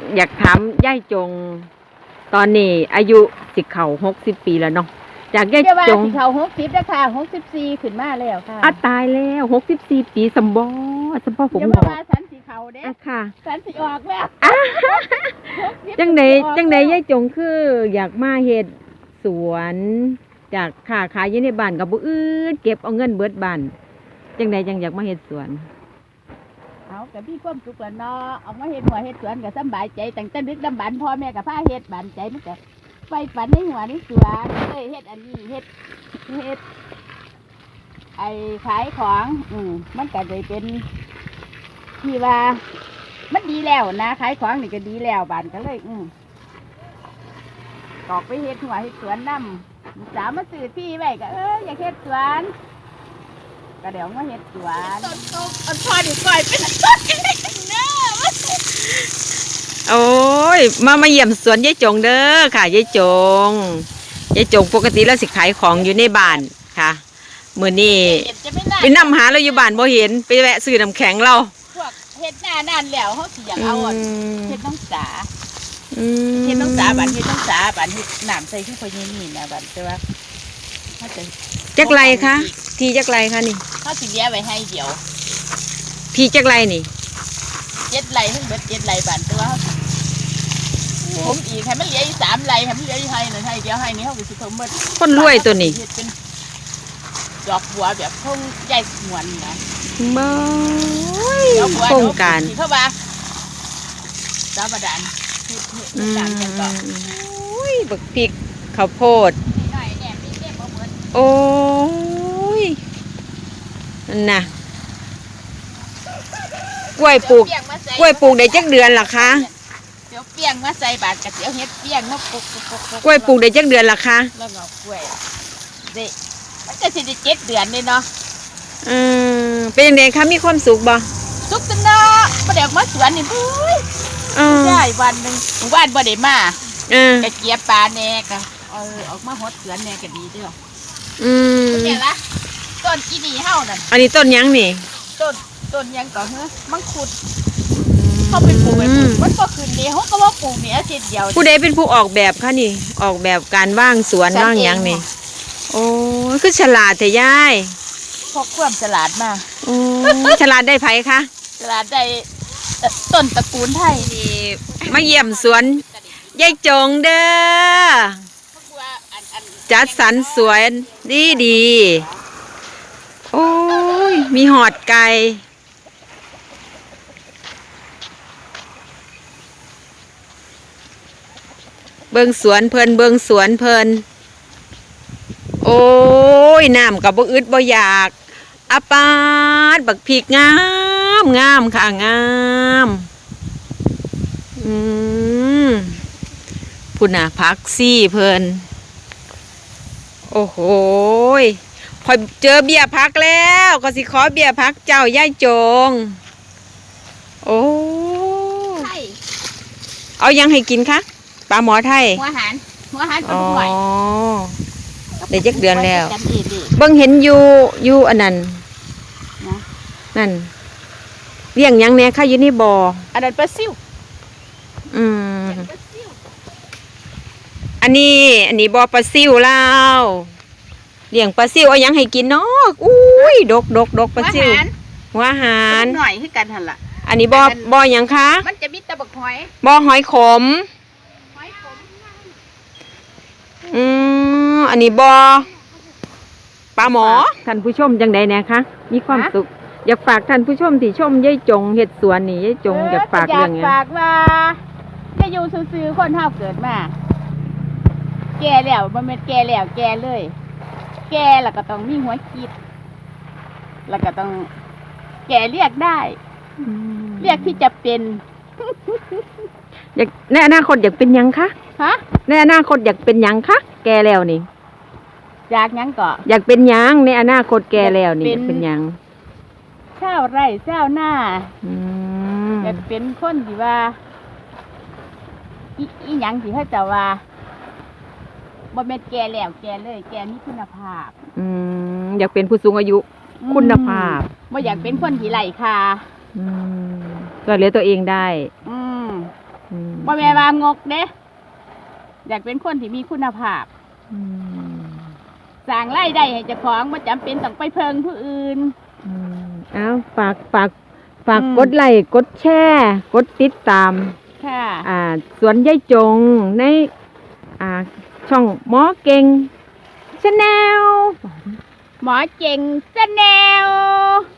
อยากถามย่ายจงตอนนี้อายุสิเข้า60 ปีแล้วเนาะจากย่ายจงเขา60แล้วค่ะ64ขึ้นมาแล้วค่ะตายแล้ว64 ปีสมบ่ผมบอกว่าสันสิเขาเด้ค่ะสันสิออกแล้วจังไดย่ายจงคืออยากมาเฮ็ดสวนจากค้าขายอยู่ในบ้านกับบ่อื่นเก็บเอาเงินเบิดบ้านจังไดจังอยากมาเฮ็ดสวนเอาก็มีความสุขแล้วเนาะเอามาเฮ็ดหัวเฮ็ดสวนก็สบายใจตั้งแต่ดึกดำบรรพ์พ่อแม่ก็พาเฮ็ดบ้านใจมันก็ไฟฝันในหัวในสวนเลยเฮ็ดอันนี้เฮ็ดไอ้ขายของมันก็เลยเป็นที่ว่ามันดีแล้วนะขายของนี่ก็ดีแล้วบ้านก็เลยออกไปเฮ็ดหัวเฮ็ดสวนนำสาวมาซื้อที่ไว้ก็อยากเฮ็ดสวนก็เดี๋ยวมาเฮ็ดสวนพอดีก่อยเป็นโอ้ยมาเยี่ยมสวนยายจงเด้อค่ะยายจงปกติแล้วสิขายของอยู่ในบ้านค่ะมื้อนี้ไปนำหาเราอยู่บ้านบ่เห็นไปแวะซื้อน้ำแข็งเราพวกเฮ็ดหน้านานแล้วเฮาสิอยากเอาเฮ็ดน้องสาเฮ็ดน้องสาบ้านเฮ็ดน้องสาบ้านเฮ็ดน้ำใส่คือพอนี่นะบ้านแต่ว่าเฮาจะจักไรคะที่จักไรคะนี่เฮาสิเลี้ยไว้ให้เดียวที่จักไรนี่ 7 ไร่เพิ่นเบิด7 ไร่บ้านแต่ว่าผมอีกให้มันเหลืออีก3 ไร่ให้มันเหลืออีกให้นึงให้เดียวให้นี่เฮาก็สิเพิ่มเบิดคนรวยตัวนี้เป็นดอกบัวแบบพงใหญ่หวนนะบ่โครงการเข้ามาสาบดานต่างกันก็บักพริกข้าวโพดโอ้ยน่ะกล้วยปลูกได้จักเดือนล่ะคะเดี๋ยวเปียงมาใส่บาทกับเดี๋ยวเฮ็ดเปียงมาปลูกกล้วยปลูกได้จักเดือนล่ะคะแล้วก็กล้วยเด็มันจะสิได้7 เดือนเลยเนาะเป็นยังไงคะมีความสุขบ่สุขจังเนาะบ่ได้มาสวนนี่ได้วันนึงวันบ่ได้มาก็เกี่ยปลาแน่ก็ออกมาหดสวนแน่ก็ดีเด้อเนี่ยละต้นอีนี่เฮานั่นอันนี้ต้นยังนี่ต้นยังก็มังคุดเขาไปปลูกมันก็ขึ้นดีเขาก็ว่าปลูกเนี่ยทีเดียวผู้ใดเป็นผู้ออกแบบคะนี่ออกแบบการว่างสวนว่างยังนี่โอ้คือฉลาดแต่ยายพกความฉลาดมาฉลาดได้ไผคะฉลาดได้ต้นตระกูลไทยมาเยี่ยมสวนยายจงเด้อจัดสรรสวนดีโอ้ยมีหอดไก่เบิ่งสวนเพลินโอ้ยน้ำกับบ่อึดบ่อยากปาดบักพริกงามค่ะงามพุ่นน่ะผักซี่เพลินโอ้โหพอเจอเบี้ยพักแล้วก็สิขอเบี้ยพักเจ้าย่ายจงโอ้เอายังให้กินคะปลาหมอไทยหัวหันปลาหน่อยได้จักเดือนแล้วเบิ่งเห็นอยู่อันนั้นนั่นเลี้ยงยังแน่ค่ะอยู่ในบ่ออันนั้นปลาซิวอันนี้บ่อปลาซิวแล้วเลี้ยงปลาซิวเอายังให้กินเนาะอุ้ยดกปลาซิวหัวหารหน่อยคือกันหั่นล่ะอันนี้บ่อยังคะมันจะมีตะบักหอยบ่อหอยขมอันนี้บ่อปลาหมอท่านผู้ชมจังใดแน่คะมีความสุขอยากฝากท่านผู้ชมที่ชมยายจงเฮ็ดสวนนี่ยายจงอยากฝากเรื่องไงฝากว่าจะอยู่ซื่อๆคนเฮาเกิดมาแก่แล้วบ่แม่นแก่แล้วแก่เลยแก่แล้วก็ต้องมีหัวคิดแล้วก็ต้องแก่เรียกได้เรียกที่จะเป็นอยากในอนาคตอยากเป็นยังคะในอนาคตอยากเป็นยังคะแก่แล้วนี่อยากยังก็อยากเป็นยังในอนาคตแก่แล้วนี่เป็นยังชาวไร่ชาวนาอยากเป็นคนที่ว่าอีหยังที่เขาจะว่าบ่แม่นแก่แล้วแก่เลยแก่มีคุณภาพอยากเป็นผู้สูงอายุคุณภาพบ่อยากเป็นคนที่ไร้ค่าก็เลี้ยงตัวเองได้บ่แม่นว่างกเด้อยากเป็นคนที่มีคุณภาพอืมสร้างรายได้ให้เจ้าของบ่จำเป็นต้องไปเพิงผู้อื่นเอาฝากอืมกดไลค์กดแชร์กดติดตามค่ะสวนยายจงในช่องหมอเก่งชาแนลหมอเจ๋งแนว